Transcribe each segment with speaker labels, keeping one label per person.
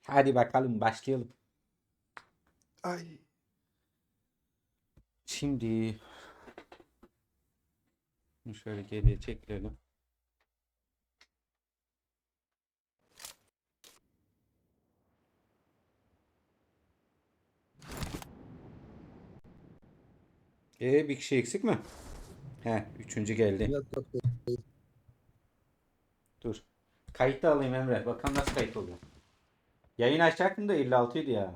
Speaker 1: Hadi bakalım başlayalım.
Speaker 2: Ay.
Speaker 1: Şimdi bunu şöyle geriye çekelim. Bir kişi eksik mi? He, üçüncü geldi.
Speaker 2: Yok yok.
Speaker 1: Dur. Kayıt da alayım Emre. Bakalım nasıl kayıt oluyor. Yayın açacaktım da 56 idi ya.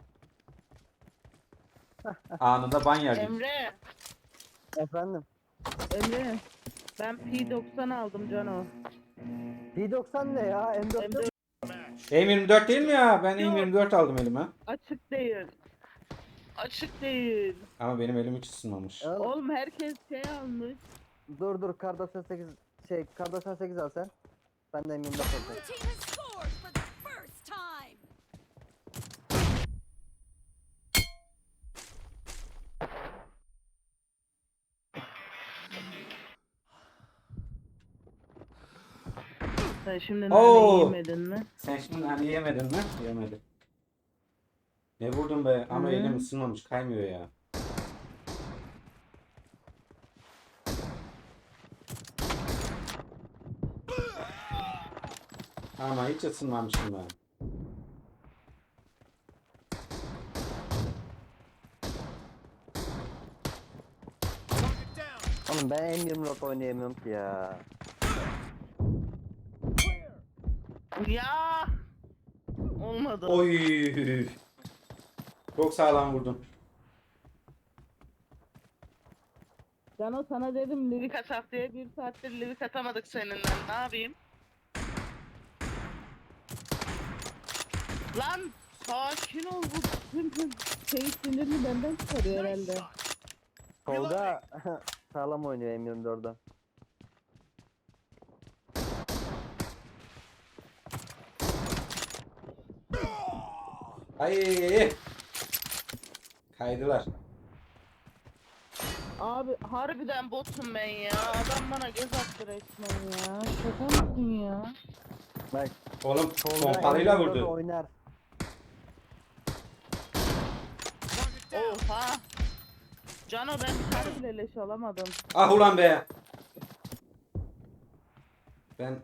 Speaker 1: Anında ban yerdik.
Speaker 3: Emre,
Speaker 2: Efendim.
Speaker 3: Emre. Ben P90 aldım Cano.
Speaker 2: P90 ne ya? M4 yok.
Speaker 1: M24 değil mi ya? Ben
Speaker 3: Yok.
Speaker 1: M24 aldım elime.
Speaker 3: Açık değil. Açık değil.
Speaker 1: Ama benim elim hiç ısınmamış.
Speaker 2: Oğlum,
Speaker 3: Oğlum herkes şey almış.
Speaker 2: dur Kar 98 Kar 98 al sen. Ben de M24
Speaker 4: Blue
Speaker 2: alacağım.
Speaker 4: team has scored for the first time.
Speaker 3: Sen şimdi
Speaker 1: Oo.
Speaker 3: nane yemedin mi?
Speaker 1: Sen şimdi hani yemedin mi? Yemedim. Ne vurdun be? Ama
Speaker 3: Hı.
Speaker 1: elim ısınmamış. Kaymıyor ya. Ama hiç ısınmamışım ben.
Speaker 2: Oğlum ben M24 oynayamıyorum ki ya.
Speaker 3: Ya. Olmadı.
Speaker 1: Oy. Çok sağlam vurdun.
Speaker 3: Cano sana dedim livik atak diye bir saattir livik atamadık seninle. Ne yapayım? Lan sakin ol bu tüm şey sinirini benden çıkarıyor herhalde.
Speaker 2: Tolga sağlam oynuyor M24'da.
Speaker 1: Ay. Kaydılar.
Speaker 3: Abi harbiden botum ben ya. Adam bana göz attı resmen ya. Şaka mısın ya?
Speaker 2: Bak
Speaker 1: Oğlum
Speaker 2: Tolga
Speaker 1: pompalıyla
Speaker 2: M24
Speaker 1: vurdu.
Speaker 2: oynar.
Speaker 3: Oha. Cano ben bir tane bile leş alamadım.
Speaker 1: Ah ulan be. Ben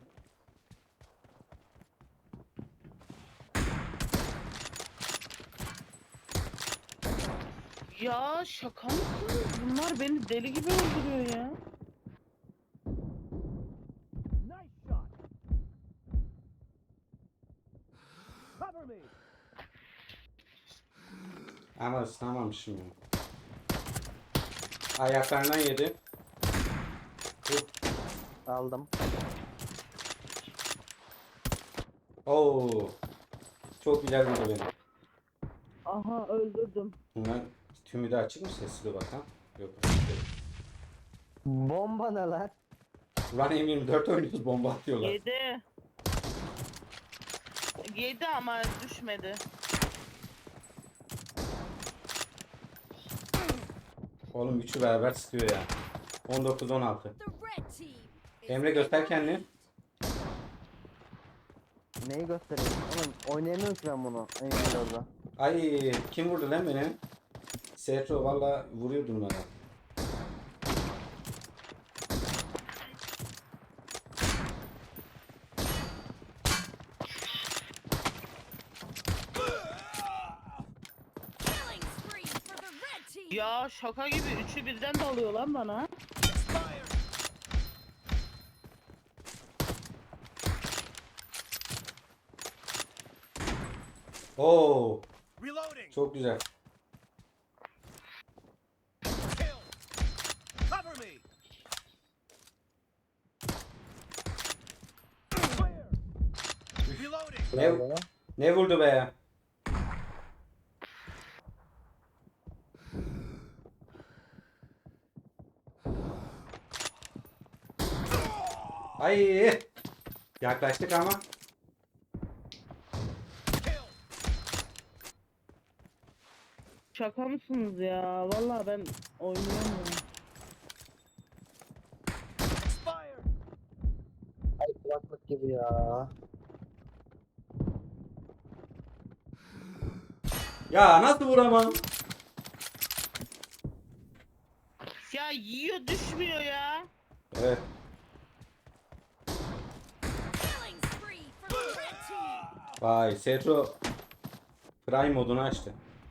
Speaker 3: Ya şaka mısınız? Bunlar beni deli gibi öldürüyor ya.
Speaker 1: ama ısınamamışım ya. Ayaklarından yedi.
Speaker 2: Aldım.
Speaker 1: Oo. Çok güzel vurdu beni.
Speaker 3: Aha öldürdüm.
Speaker 1: Bunlar tümü de açık mı sesli bakan? Yok.
Speaker 2: Bomba ne lan?
Speaker 1: Ulan M24 oynuyoruz bomba atıyorlar.
Speaker 3: Yedi. Yedi ama düşmedi.
Speaker 1: Oğlum üçü beraber sıkıyor ya. 19-16.
Speaker 4: The red team is
Speaker 1: Emre göster kendini.
Speaker 2: Neyi göstereyim? Oğlum oynayamıyorum ki ben bunu M24'da.
Speaker 1: Ay kim vurdu lan beni? Sertro valla vuruyordun bana.
Speaker 4: killing spree for the red team.
Speaker 3: Ya şaka gibi üçü birden dalıyor lan bana.
Speaker 1: Oo
Speaker 5: Reloading.
Speaker 1: çok güzel.
Speaker 5: Kill. Cover me. Clear. Reloading.
Speaker 1: Ne, ne vurdu be? Ay yaklaştık ama.
Speaker 5: Kill.
Speaker 3: Şaka mısınız ya? Vallahi ben oynayamıyorum.
Speaker 5: Expired.
Speaker 2: Ay kulaklık gibi ya.
Speaker 1: Ya nasıl vuramam?
Speaker 3: Ya yiyor düşmüyor ya.
Speaker 1: Evet.
Speaker 4: Killing spree for the red team.
Speaker 1: Vay Setro Prime modunu açtı.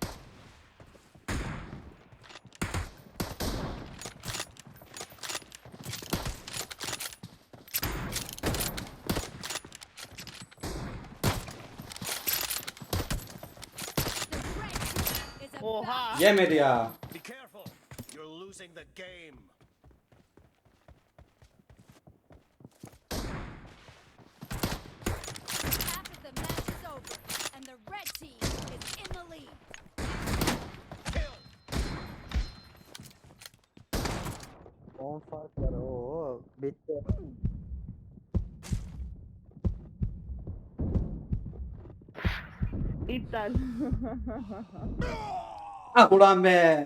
Speaker 4: The red team is about
Speaker 3: Oha.
Speaker 1: Yemedi ya.
Speaker 5: Be careful. You're losing the game.
Speaker 4: half of the match is over, and the red team is in the lead.
Speaker 5: Kill.
Speaker 2: 10 fark var. Oo, bitti.
Speaker 3: İptal.
Speaker 1: Ah ulan be.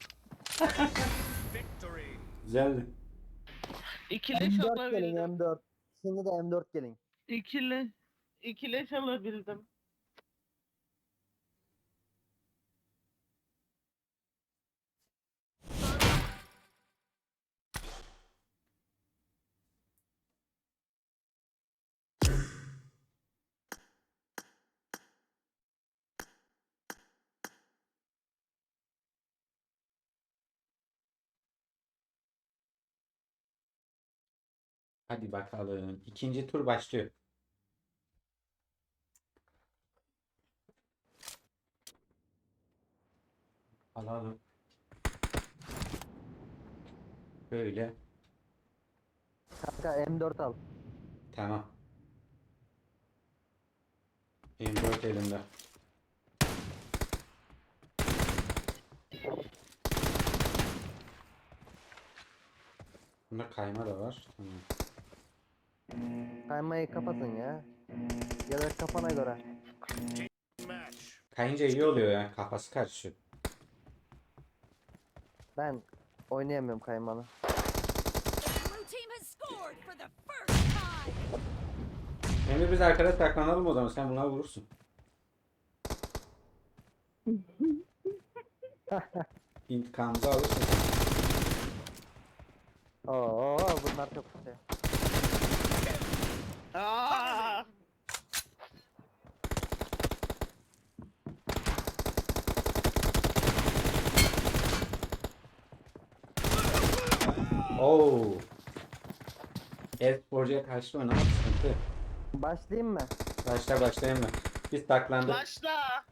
Speaker 5: Victory.
Speaker 1: Güzeldi.
Speaker 3: İkili
Speaker 2: M4 gelin
Speaker 3: alabildim.
Speaker 2: M4. Şimdi de M4 gelin.
Speaker 3: İkili alabildim.
Speaker 1: Hadi bakalım. İkinci tur başlıyor. Alalım. Böyle.
Speaker 2: Kanka M4 al.
Speaker 1: Tamam. M4 elimde. Bunda kayma da var. Tamam.
Speaker 2: Kaymayı kapatın ya. Ya da kafana göre.
Speaker 5: Match.
Speaker 1: Kayınca iyi oluyor yani. Kafası karışıyor.
Speaker 2: Ben oynayamıyorum kaymanı.
Speaker 4: The blue team has scored for the first time.
Speaker 1: Emre biz arkada saklanalım o zaman. Sen buna vurursun. İntikamımızı alırsın.
Speaker 2: Oo, bunlar çok kötü.
Speaker 3: Aa!
Speaker 1: Oo. E-sporcuya karşı oynamak sıkıntı.
Speaker 2: Başlayayım mı?
Speaker 1: Başlayayım mı? Biz saklandık.
Speaker 3: Başla.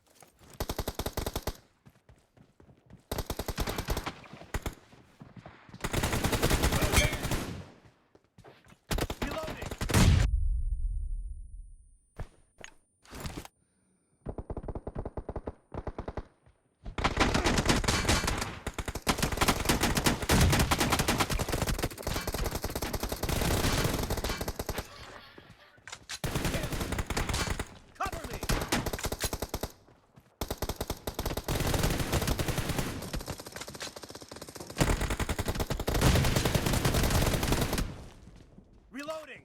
Speaker 5: Reloading. Cover me. Reloading.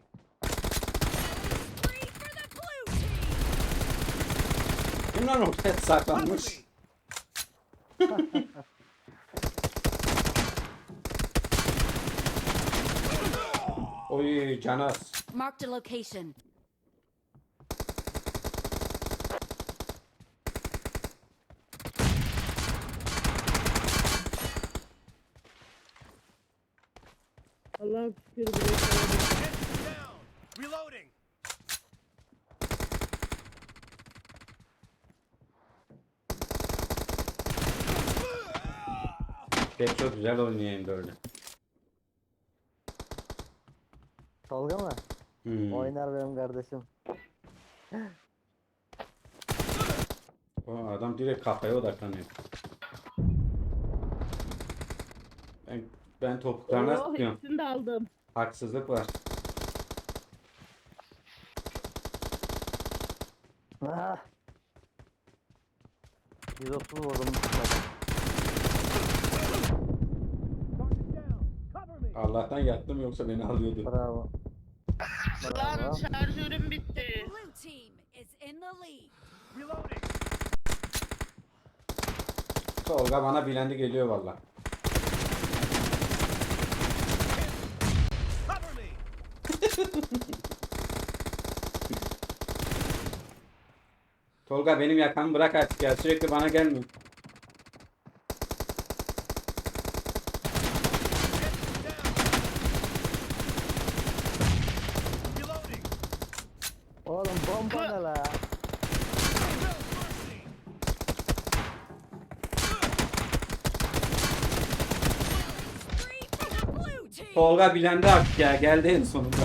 Speaker 4: Spree for the blue team.
Speaker 1: Kim lan ortaya
Speaker 5: Cover
Speaker 1: saklanmış?
Speaker 5: me.
Speaker 1: Oy Canas.
Speaker 4: Marked a location.
Speaker 3: Allah şükür buraya kadar.
Speaker 5: Get down. Reloading.
Speaker 1: Pek çok güzel oynuyor böyle.
Speaker 2: Tolga mı? Oynar benim kardeşim.
Speaker 1: O adam direkt kafaya odaklanıyor. Ben topuklarına
Speaker 3: Oo,
Speaker 1: sıkıyorum.
Speaker 3: hepsini de aldım.
Speaker 1: Haksızlık var.
Speaker 2: Ah. 130 vurdum.
Speaker 5: Target down. Cover me.
Speaker 1: Allah'tan yattım yoksa beni alıyordu.
Speaker 2: Bravo.
Speaker 3: Lan
Speaker 2: Bravo.
Speaker 3: şarjörüm bitti.
Speaker 4: Blue team is in the lead.
Speaker 5: Reloading.
Speaker 1: Tolga bana bilendi geliyor valla.
Speaker 5: Cover me.
Speaker 1: Tolga benim yakamı bırak artık ya. Sürekli bana gelmiyor.
Speaker 5: Reloading.
Speaker 2: Oğlum bomba ne la?
Speaker 5: No mercy.
Speaker 4: Three for the blue team.
Speaker 1: Tolga bilendi artık ya. Geldi en sonunda.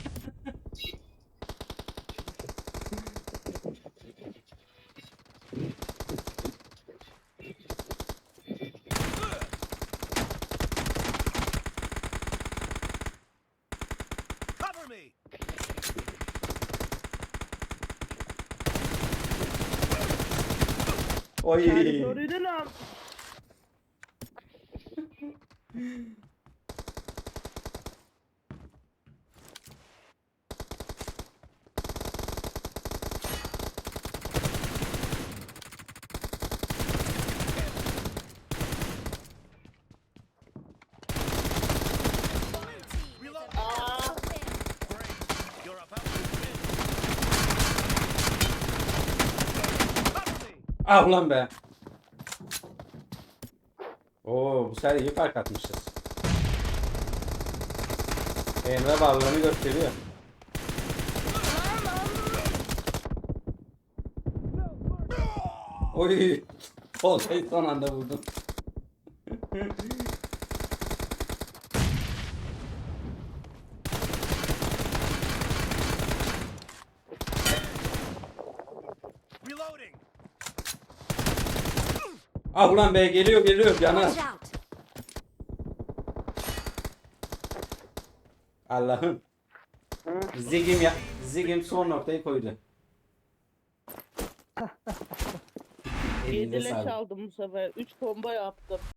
Speaker 5: Cover me.
Speaker 1: Oy.
Speaker 3: Territory'de lan.
Speaker 4: Blue team is
Speaker 5: Reload.
Speaker 4: about to win.
Speaker 5: Great. You're about to win. Cover me.
Speaker 1: Ah ulan be. Oo bu sefer iyi fark atmışız. Emre ballarını gösteriyor. Oy. Tolga'yı son anda vurdum.
Speaker 5: Reloading.
Speaker 1: Ah ulan be geliyor Caner.
Speaker 4: Watch out.
Speaker 1: Allah'ım. Zigim son noktayı koydu. Elinize
Speaker 3: 7 leş
Speaker 1: sağlık.
Speaker 3: aldım bu sefer. 3 bomba yaptım.